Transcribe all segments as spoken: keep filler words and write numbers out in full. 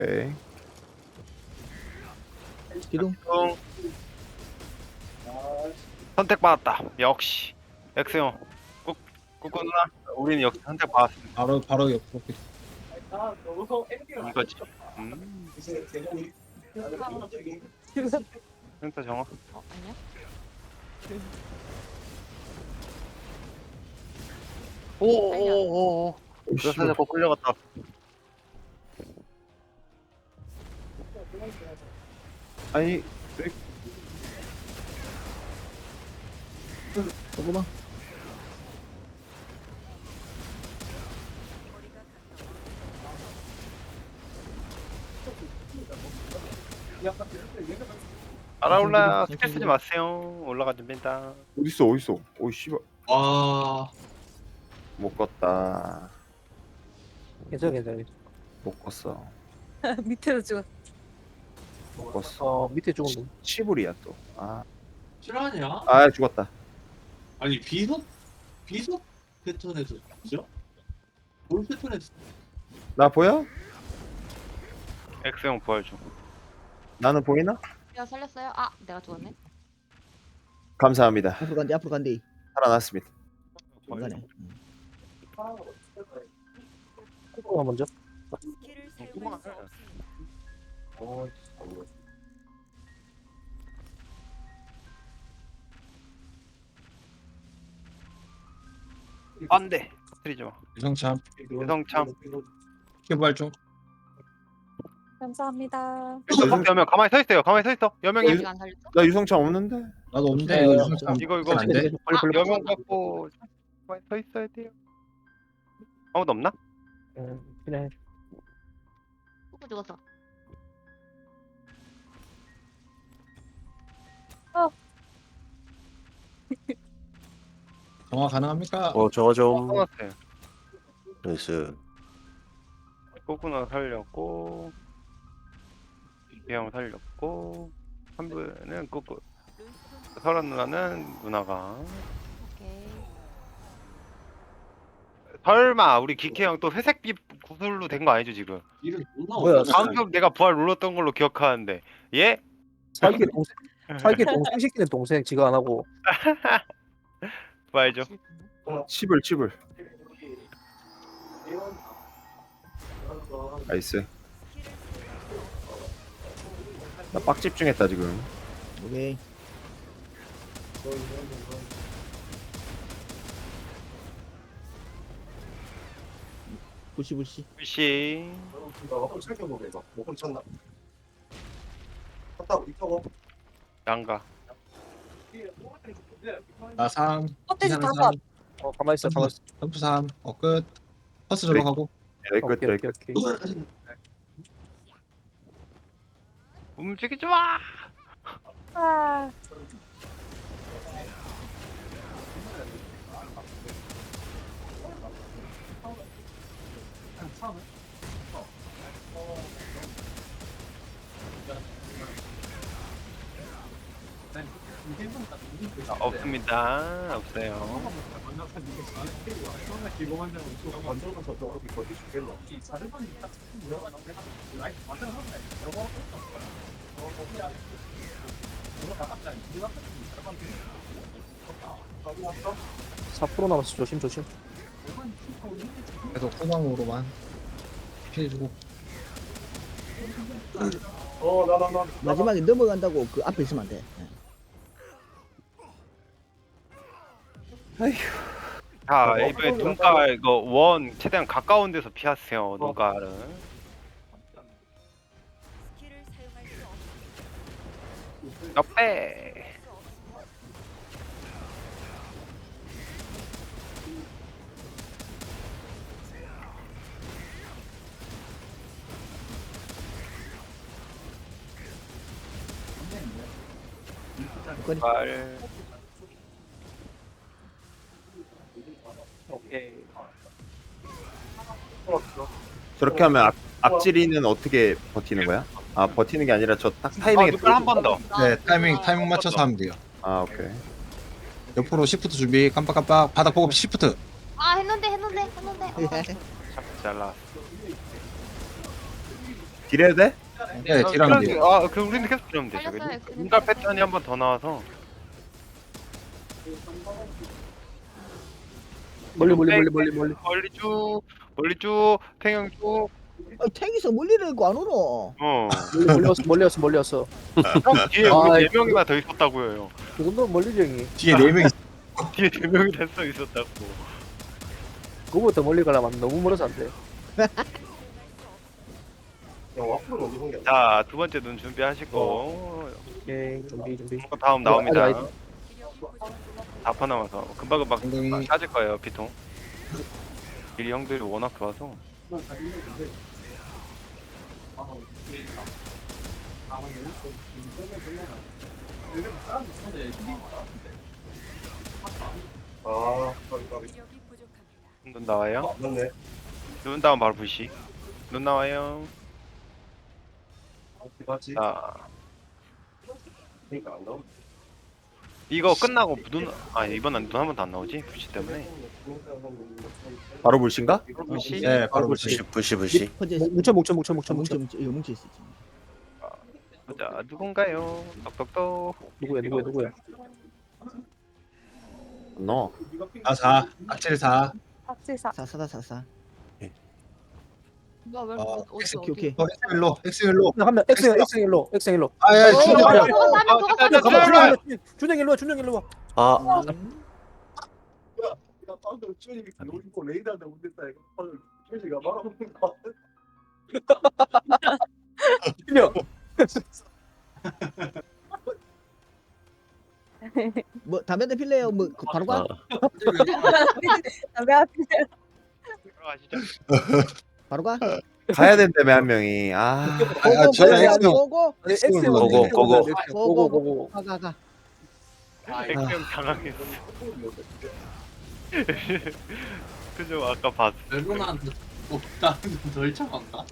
오케이. 기둥. 응. 선택받았다. 역시 엑스용 꾹 꾹꾹 누나. 우리는 역시 선택받았습니다. 바로 바로 옆으로. 이거지. 음. 센터 정화. 어, 아니야? 오오오오. 그래서 자꾸 끌려갔다. 아니 조금만. 알아올라. 스킬 쓰지 마세요. 올라가면 됩니다. 어딨어 어딨어. 오이 씨발 와. 못 껐다. 괜찮아 괜찮아. 못 껐어. 밑에서 찍었어. 못 껐어. 어 밑에 조금 더. 치불이야 또. 아, 실화냐? 아 죽었다. 아니 비석 비석 패턴에서 그죠? 볼 패턴에서 나 보여? 엑스용 부활 중. 나는 보이나? 내가 살렸어요? 아, 내가 죽었네. 감사합니다. 앞으로 간대, 앞으로 간대. 살아났습니다. 중간에. 코코가 먼저. 안돼. 트리지 마. 유성참 유성참. 개발 중. 감사합니다. 어, 여명 가만히 서 있어요. 가만히 서 있어. 여명이 아직 안 살렸어? 나 유성창 없는데? 나도 없는데 네, 이거 유성참 이거 이거 안 돼? 빨리 빨리. 여명 갖고 가만히 서 있어야 돼요. 아무도 없나? 응, 그래. 누구 죽었어? 정화 가능합니까? 어 저거 좀 떠났어요. 나이스. 꼬꾸나 살렸고 이형 살렸고 한 분은 꼬꾸. 설아 누나는 누나가. 오케이. 설마 우리 기케 형 또 회색빛 구슬로 된 거 아니죠 지금? 이름 존나 뭐야, 어렵다. 방금 내가 부활 눌렀던 걸로 기억하는데 예? 살기 동생 살기 동생 시키는 동생 지가 안 하고. 부활 좀. 치불 치불. 나이스. 나 빡 집중했다 지금. 오케이. 불씨, 불씨. 씨. 양가. 나 삼. 껍데기 이사는 다 삼. 어 가만 있어 가만 있어. 점프 삼. 어 끝. 퍼스 들어가고. 여기 끝 오케이 여기 오케이 끝. 오케이. 움직이지 마. 아. 아, 없습니다. 없어요. 사 퍼센트 남았어. 조심 조심. 계속 후방으로만 피해주고. 마지막에 넘어간다고 그 앞에 있으면 안 돼. 자, 이번에 눈깔 이거 원 최대한 가까운 데서 피하세요. 눈깔은. 옆에. 눈깔. 오케이. 저렇게 하면 악, 악질이는 어떻게 버티는 거야? 아 버티는 게 아니라 저 딱 아, 타이밍에 눈깔 한 번 더. 네 타이밍 타이밍 맞춰서 하면 돼요. 아 오케이. 옆으로 시프트 준비. 깜빡깜빡. 바닥 보고 시프트. 아, 했는데 했는데 했는데. 어. 잘 나왔어. 딜해도 돼? 예, 딜하면 돼요. 아, 그 우리는 계속 딜하면 되죠. 살렸어요, 엑스님. 인가 패턴이 한 번 더 나와서 멀리 멀리 멀리 멀리 멀리. 멀리 쭉 멀리 쭉 탱형 쭉. 아, 탱이서 멀리를 거 안 오노. 어. 멀리 멀리였어 멀리였어 멀리였어. 형 뒤에 아, 우리 네 이거- 명이나 더 있었다고요. 그 정도면 멀리지 형이. 뒤에 네 명이 뒤에 네 명이 더 있었다고. 그거보다 멀리 가려면 너무 멀어서 안 돼. 자, 두 번째 눈 준비하시고 오케이 준비 준비. 다음 나옵니다. 아직, 아직. 다파 남아서 금방금방 엉덩이. 찾을 거예요, 피통. 딜이 형들이 워낙 좋아서. 눈 나와요? 눈 다음 바로 부시. 눈 나와요. 자. 이거 끝나고 눈, 아 이번엔 눈 한 번도 안 나오지? 부시 때문에. 바로 불신가? 부시. 네, 바로 부시 부시. 부시 부시. 퍼져 목- 있어. 뭉쳐 뭉쳐 뭉쳐 뭉쳐 뭉쳐 뭉쳐. 뭉쳐 이거 뭉쳐 있어 지금. 자, 누군가요? 똑똑똑. 누구야 누구야 누구야. 너. 아, 사. 악질 사. 박질사. 사사다 사사. 뭐야 왜 어, 어디 어디 오케이 오케이. 어, 엑스일로, 엑스일로. 한명 X X 일로 X 일로. 아, 야, 어, 준영. 어, 야, 어, 더 가면 더 가면 자, 가만 자, 준영 준영 일로 와 준영 일로 와. 아 준영. 뭐 담배 대 필래요? 뭐 그, 바로 가? 아, 들어가시죠. 바로 가? 가야 된다며 한 명이. 아. 아, 저는 엑스. 고고 아니, X X 눌렀네. 고고, 고고. 고고 고고. 가가 가. 액션 당황했어. 그죠? 아까 봤어. 레고나한테 덜 참았나?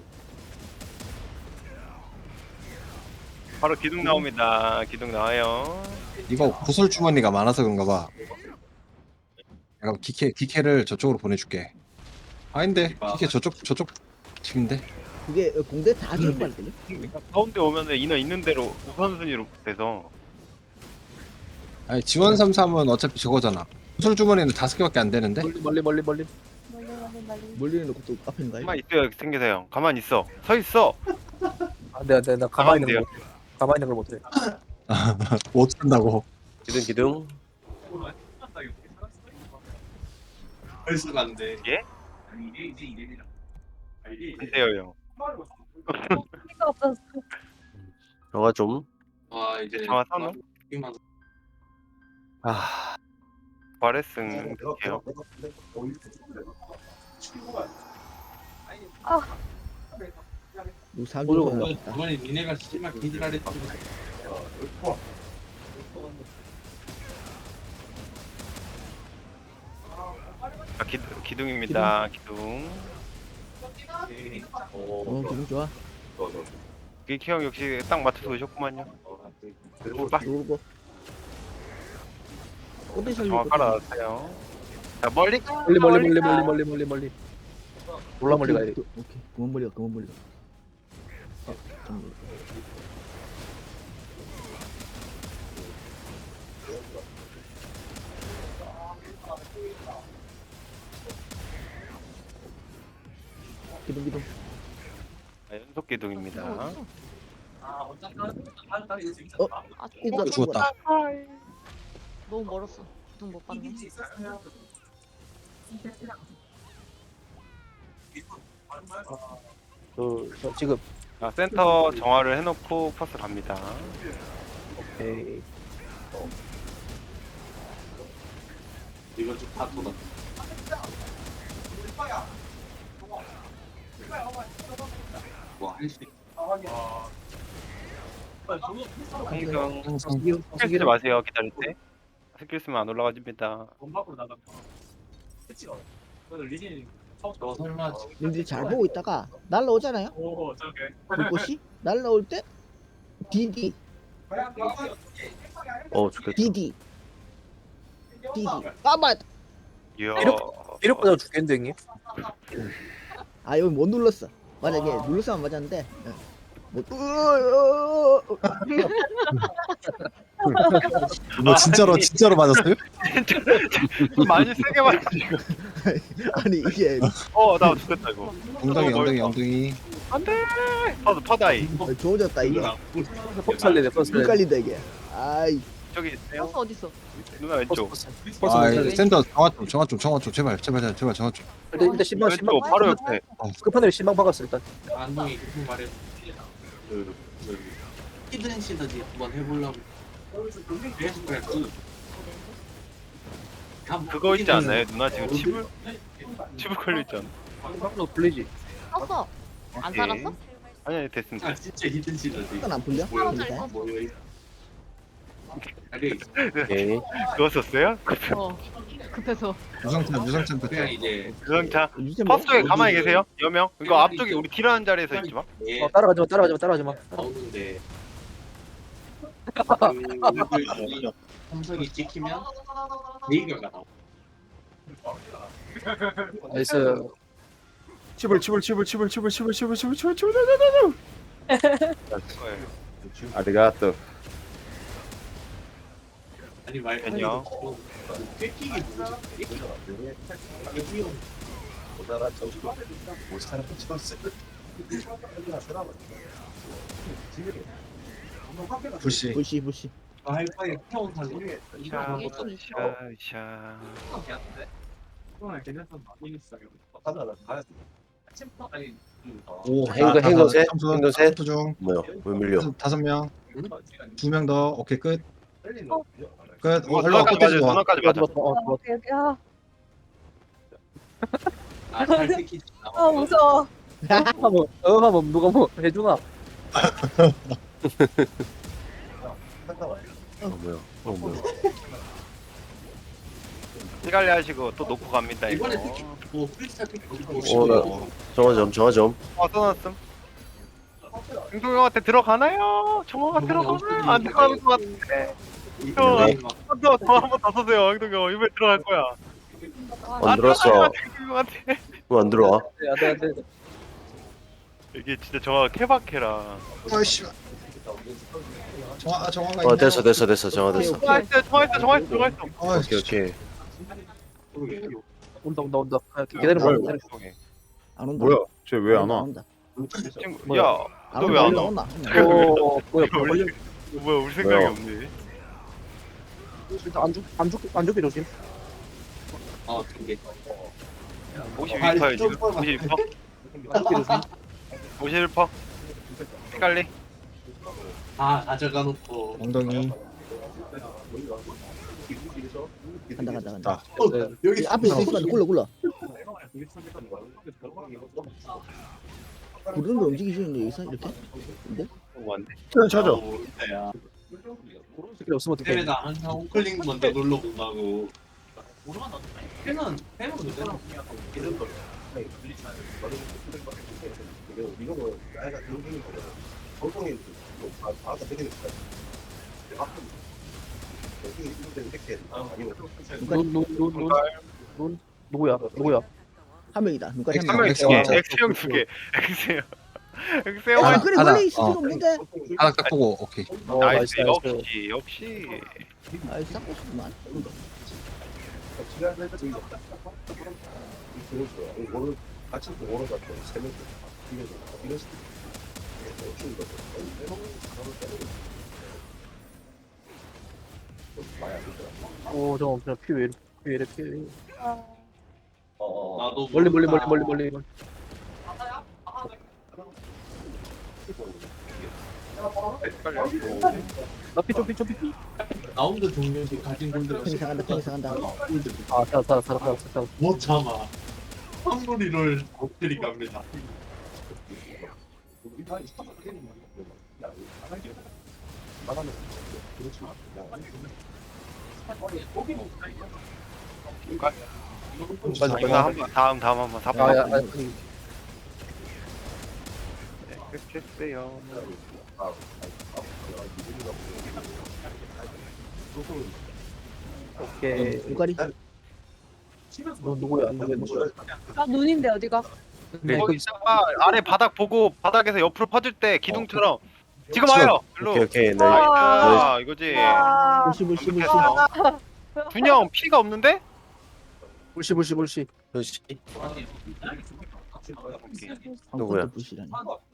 바로 기둥 나옵니다. 기둥 나와요. 이거 구슬 주머니가 많아서 그런가 봐. 내가 기캐 기캐를 저쪽으로 보내줄게. 아닌데 기캐 저쪽 저쪽 팀인데. 그게 어, 공대 다 음. 기록 받을걸요? 가운데 오면은 인원 있는 대로 우선순위로 돼서 아니 지원 삼삼은 어차피 저거잖아. 구슬 주머니는 다섯 개밖에 안 되는데. 멀리 멀리 멀리 멀리. 멀리는 놓고 또 앞에 있는 거야? 가만 있어요. 생기세요. 가만 있어. 서 있어. 안돼 안돼 나 가만히 있는 가운데요. 거 못- 가만히 있는 걸 못해. 못 쓴다고. 기둥 기둥. 벌써 간대. 예? 이게 이제 이름이라. 안 돼요, 형. 영화 좀. 와 이제 정화 사노? 이만 아. 바레승 될게요. 누구 사람 모르고 좀 뭐야. 있다. 이번에 니네가 심한 기질하래. 자, 기, 기둥입니다. 기둥. 어 기분 좋아. 기키 형 역시 딱 맞춰서 오셨구만요. 봐. 누르고. 포텐셜 정화 깔아놨어요. 자, 멀리 가. 멀리 멀리 멀리 가. 멀리 멀리 멀리 멀리. 몰라 멀리 가야 돼. 오케이 그만 멀리 가 그만 멀리 가. 어, 좀 멀리. 기둥 기둥. 자, 연속 기둥입니다. 아 이거 어, 죽었다. 너무 멀었어. 기둥 못 봤네. 그 저, 지금 자, 센터 정화를 해놓고 퍼스 갑니다. 에이, 이거 좀 다투다. 와 할수 있. 항상 항상 스킬 쓰지 마세요. 기다릴 때. 스킬 쓰면 안 올라가집니다. 너 설마 님들이 잘 보고 있다가 날라오잖아요. 불꽃이 날라올 때 디디 어 좋겠다. 디디 디디 까만. 이야. 이력보다 죽겠는데 형님. 아 여기 못 눌렀어. 만약에 눌렀으면 맞았는데 어. 뭐, 으, 으, 뭐 진짜로 진짜로 맞았어요? 많이 세게 맞았지 이거. 아니 이게 어나 죽겠다 이거. 엉덩이 엉덩이 엉덩이. 안돼. 퍼드 퍼다이. 좋아졌다 이게. 버스 살리네 버스 살리네. 헷갈린다 이게. 아이 저기 있어요. 버스 어딨어? 누나 왼쪽. 버스 버스 아 살리네. 센터 정화 좀 정화 좀 정화 좀 제발 제발 제발 제발 정화 좀. 일단 일단 신방 신방 왼쪽 바로 옆에. 끝판에 신방 박았어 일단. 안동이 무슨 말해? 그, 그 히든 시너지 한번 해보려고. 계속 그래. 그 그거 있지 않나요? 누나 지금 치불 치불 걸려 있잖아. 신방도 불리지. 떴어. 안 오케이. 살았어? 아니 아니 됐습니다. 아 진짜 히든 시너지. 이건 안 풀려? 뭐야? 그러니까. 뭐야? 아니 오케이. 그거 썼어요? 어. 급해서. 유성찬 유성찬 그냥 부터. 이제 그상차. 유지템 뭐? 퍼스 쪽에 가만히 계세요. 여명. 이거 앞쪽에 우리 딜하는 자리에서 있지 마. 얘 어 따라가지 마 따라가지 마 따라가지 마. 나오는데 그 삼성이 찍히면 네이버가 나와. 나이스. 치불 치불 치불 치불 치불 치불 치불 치불 치불 치불 치불 아리가또. 아니 말 안녕. 꿰끼기 뭐지? 꿰끼기 불씨. 부시 부시. 하이파이 태운 사람 샤 이게 좀 있어. 샤. 오 행거, 행거 셋, 삼수, 행거 셋. 삼수 중 뭐야? 왜 밀려? 다섯, 다섯 명. 두 명 더. 오케이 끝. 끝. 오, 어, 올라와 누나까지 끝까지 맞아. 좋아. 누나까지 맞아. 어 좋아. 야. 아잘 꿰끼지. 아 무서워. 하면 어 하면 누가 뭐 해주나? 어 뭐야? 어 뭐야? 피갈리 하시고 또 놓고 갑니다 이거. 이번에 특히 뭐 프리스타일 꿰끼기 어, 나 정화 좀 정화 좀. 어 써놨음. 행동 형한테 들어가나요? 정화가 들어가나요? 안 들어가는 것 같아. 또 한번 더 써세요 행동 형. 이번에 들어갈 거야. 안 들었어. 행동 형한테. 왜 안 들어와? 안돼 안돼. 이게 진짜 정화가 케바케라. 아이씨. 정화 아, 정화가 어 있네. 됐어 됐어 됐어 정화 됐어. 정화했어 정화했어 정화했어 정화했어. 아이씨. 오케이 오케이. 온다 온다 온다. 아, 기다려 봐. 기다려. 안 온다. 뭐야? 쟤 왜 안 와? 온다. 친구, 야, 안 너 온다. 왜 안 온다, 와? 온다. 어 뭐야 우리, 걸려. 뭐야 우리 생각이 뭐야? 없네. 일단 안죽안죽안 죽게 조심. 어 그게 오십일 퍼예요 지금. 오십일 퍼. 안 죽게 조심. 오십일 퍼. 피갈리. 다 가져가 놓고 엉덩이. 간다 간다 간다. 아, 어, 네. 여기 이 앞에 있으면 굴러 굴러. 부르는 거 움직이시는데 여기서 이렇게? 근데? 오, 안 돼. 찾아. 야 스킬 없으면 어떡해. 때문에 나 항상 우클릭 먼저 눌러본다고. 빼면 빼면 되잖아. 눈눈눈눈눈 누구야 누구야? 한 명이다. 눈까지 한 한 명. 명이 두 개. 엑스형. 엑스형 두 개. 엑스형. 엑스형 아 한 그래 하나. 멀리 있을 어. 필요 없는데. 하나 딱 보고 오케이. 어 나이스. 나이스 나이스. 역시 역시. 아이 싹고 싶구만. 오 잠깐 그냥 피왜 이래 피 이래 피. 나도 멀리 멀리 모른다. 멀리 멀리 멀리. 나피좀피좀피 라운드 종료시 가진 골드가 팽이 상한다 팽이 상한다. 아 살아 살아 살아 살아 살아. 못 참아. 한무리를 곱들이 갑니다. 맞아 이거 한번 다음 다음 한번 사 아야 번. 아니 끝했어요. 오케이. 눈깔이. 너 누구야 누구야 누구야? 아 눈인데 어디가? 네, 그 거기다가 아래 바닥 보고 바닥에서 옆으로 퍼질 때 기둥처럼 지금 지금. 와요. 일로. 오케이 오케이 네. 나이스. 이거지. 불씨 불씨 불씨. 완벽했어. 준영 피가 없는데? 불시 불시 불시. 그렇지. 한 누구야? 컷도 불씨라니.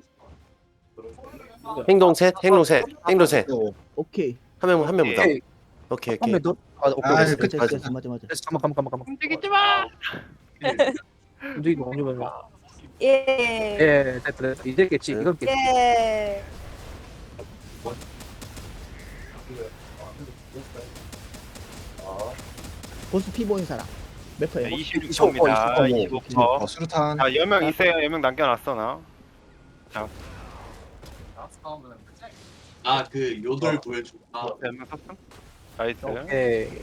행동 셋, 행동 셋, 행동 셋. 오케이. 한 명 한 명부터. 오케이. 오케이 한명 오케이. 더. 아 오케이. 아, 오케이. 끝. 됐어 됐어 맞아 맞아. 됐어. 잠깐 잠깐 잠깐. 움직이지 마. 움직이고 움직이고. 예. 예, 됐다 됐다. 이제 겠지. 이건 겠지. 예. 보스 피 보인 사람. 몇 퍼예요? 이십육 이십오 퍼, 퍼입니다. 이십오 이십오 퍼. 어, 수류탄. 자, 여명 있어요. 여명 남겨놨어 나. 아 그 요돌 보여줘. 아 여명 썼음. 나이스. 오케이.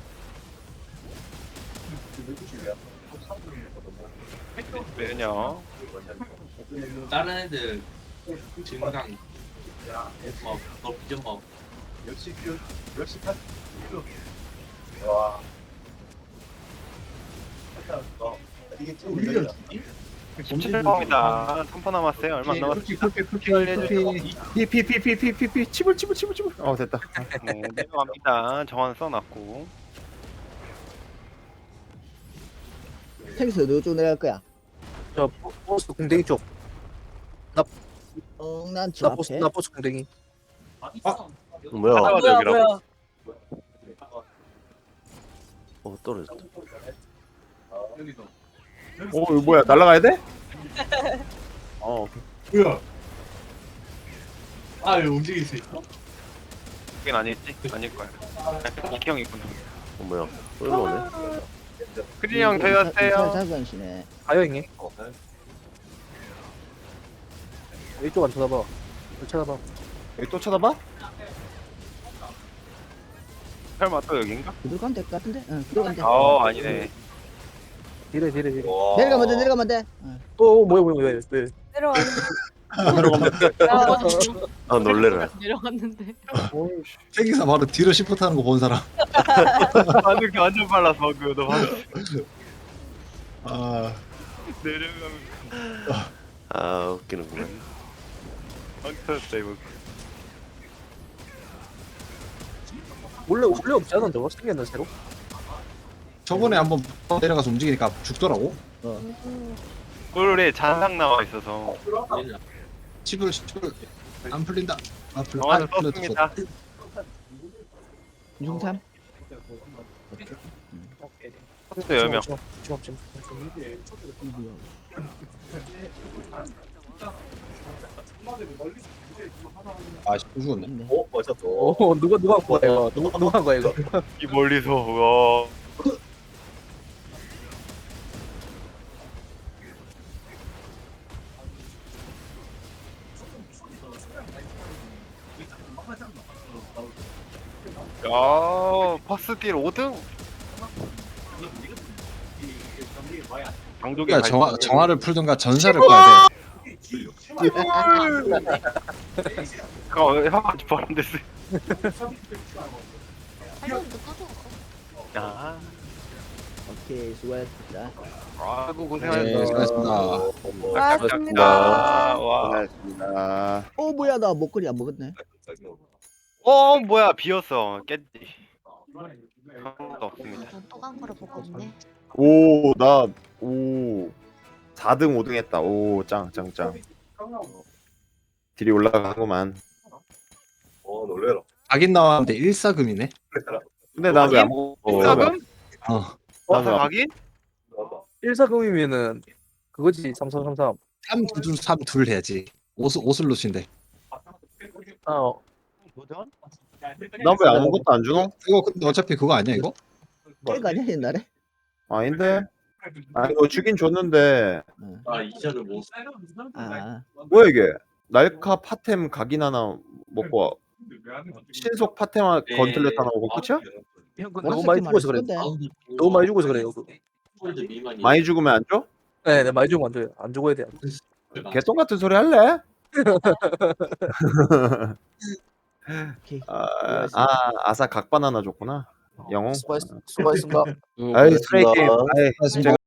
매녀. 다른 애들 증강 막너 비전막 십칠 퍼입니다. 삼 퍼 남았어요. 얼마 안 남았어. 피피피피피피피 치불 치불 치불 치불. 어 됐다. 네, 내려갑니다. 정한 써놨고. 탱스 어디로 내려갈 거야? 저 보스 궁뎅이 쪽. 어난저 나 보스 앞에. 나 보스 궁뎅이. 뭐야? 하나가 여기라고. 어 떨어졌다. 오 이거 뭐야 날라가야 돼? 어 오케이. 뭐야? 아왜 움직일 수 있어? 그긴 아닐지? 아닐 거야. 이키 형이구나. 어 뭐야? 또 일로 오네. 크리 형 되었어요. 자전시네. 가요 형님. 이쪽 안 쳐다봐. 안 쳐다봐. 여기 또 쳐다봐? 설마 또 여긴가? 그대로 가면 될 것 같은데? 응 그대로 가면 돼. 어 아니네. 뒤래 뒤래 뒤래. 내려가면 돼 내려가면 돼. 응. 어 뭐야 뭐야 왜 왜? 내려왔는데. 아 놀래라. 내려갔는데. 세기사 바로 뒤로 시프트 하는 거 본 사람. 반응 완전 빨라서 방금 너 방금 아, 내려가면 아 웃기는구나. 방 터졌다 이거. 원래 원래 없지 않은데 뭐 생겼나 새로? 저번에 한번 내려가서 움직이니까 죽더라고. 꿀에 잔상 나와 있어서 치불 치불 안 풀린다. 아 풀. 정한을 아, 풀렸어. 썼습니다. 중삼. 오케이. 또 여명. 지금 지금 지금. 아, 죽었네. 있네. 어 맞았어. 오 누가 누가 한 거야 이거? 누가 누가 한 거야 이거? 이 멀리서 와. 야, 파스딜 오 등? 강조기 야, 정화 정화를 풀든가 전사를 꺼야 돼. 어, 형아 바람 됐어. 할머니도 까줘. 야, 오케이 수고하셨습니다. 아이고 네, 고생하셨어. 수고하셨습니다. 고맙습니다. 와, 고생하셨습니다. 어 뭐야 나 목걸이 안 먹었네. 어 뭐야 비었어 깼지. 아무것도 없습니다. 또간 거를 보고 있네. 오나오 사 등 오 등 했다. 오짱짱짱. 딜이 올라가구만. 어 놀래라. 각인 나왔는데 일사금이네. 근데 나 왜 안 먹어? 일사금? 어. 와서 나도 가기? 일사금이면은 그거지 삼삼삼삼. 삼두둘 삼둘 해야지. 오슬 오슬롯인데. 어. 도전? 나왜 아무것도 안 주노? 이거 근데 어차피 그거 아니야 이거? 깨가 아니야 옛날에? 아닌데? 아 이거 주긴 줬는데 응. 아 이자를 못. 아 뭐야 이게? 날카 파템 각인 하나 먹고 신속 파템 하나 건틀렛 하나 먹고 끝이야? 형 그거 너무 많이 죽어서 그래. 근데 너무 많이 죽어서 그래요. 그거. 폴드 미만이. 많이 죽으면 안 줘? 네, 네 많이 죽으면 안 돼요. 안 죽어야 돼. 개똥 같은 소리 할래? 오케이. 아, 아 아사 각반 하나 줬구나. 영웅. 수고했, 수고했습니다. 응, 아이 고맙습니다. 스트레이 게임. 아이 수고하셨습니다.